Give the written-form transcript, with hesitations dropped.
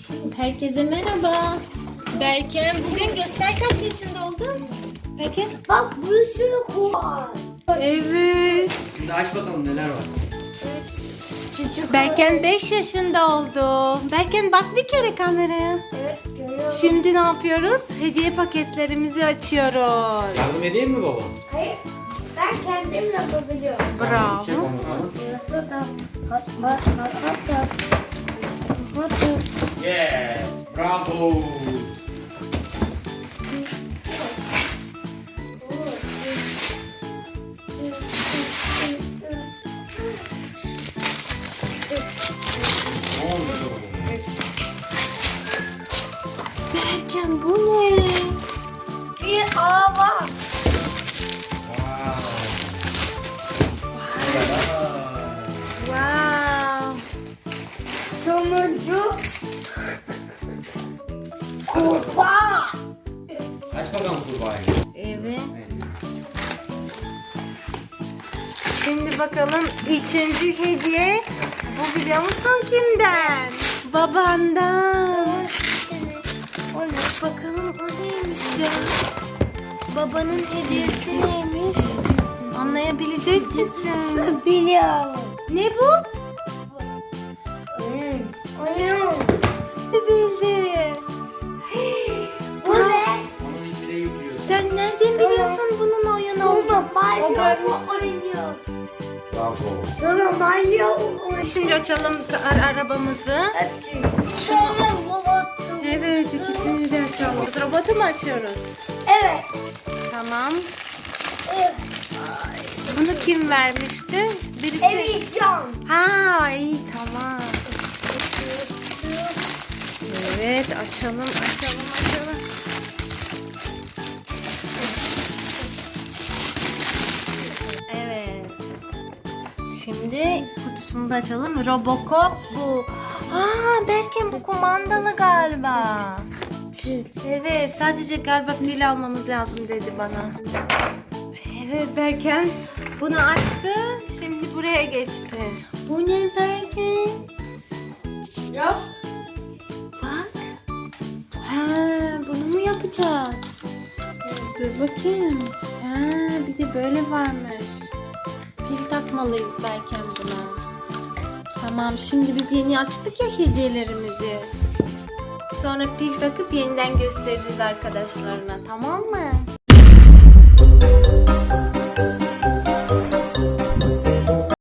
Herkese merhaba. Berken bugün göster kaç yaşında oldun? Berken. Bak bir sürü var. Evet. Şimdi aç bakalım neler var. Berken 5 yaşında oldu. Berken bak bir kere kameraya. Evet görüyorum. Şimdi ne yapıyoruz? Hediye paketlerimizi açıyoruz. Yardım edeyim mi baba? Hayır. Ben kendim yapabiliyorum. Bravo. Çek onu. Yes. Bravo. Ne oldu? Berken bu ne? Bir araba. Wow. Sonuncu Hadi bakalım. kupa. Aç bakalım kurbağayı. Evet. Şimdi bakalım üçüncü hediye. Bu biliyor musun kimden? Babandan. O ne? Bakalım o neymiş ya? Babanın hediyesi neymiş? Anlayabilecek misin? Biliyorum. Ne bu? Oyun. Oyun. Bildi. Bu ne? Onun içine yüklüyorsun. Sen nereden biliyorsun bunun oyun olduğunu? Burada O banyo görmüştür. oynuyoruz. Bravo. Sonra banyo oynuyoruz. Şimdi açalım arabamızı. Sonra robotu. Evet, ikisini de açalım. Robotu mu açıyoruz? Evet. Tamam. Bunu kim vermişti? Birisi. Emircan. Ha, iyi tamam. Evet, açalım. Evet. Şimdi kutusunu da açalım. Robocop bu. Aa, Berken bu kumandalı galiba. Evet, sadece galiba pil almamız lazım dedi bana. Evet Berken bunu açtı. Şimdi buraya geçti. Bu ne Berken? Yok. Bak. Ha, bunu mu yapacağız? Dur bakayım. Ha, bir de böyle varmış. Pil takmalıyız Berken buna. Tamam, şimdi biz yeni açtık ya hediyelerimizi. Sonra pil takıp yeniden gösteririz arkadaşlarına, tamam mı?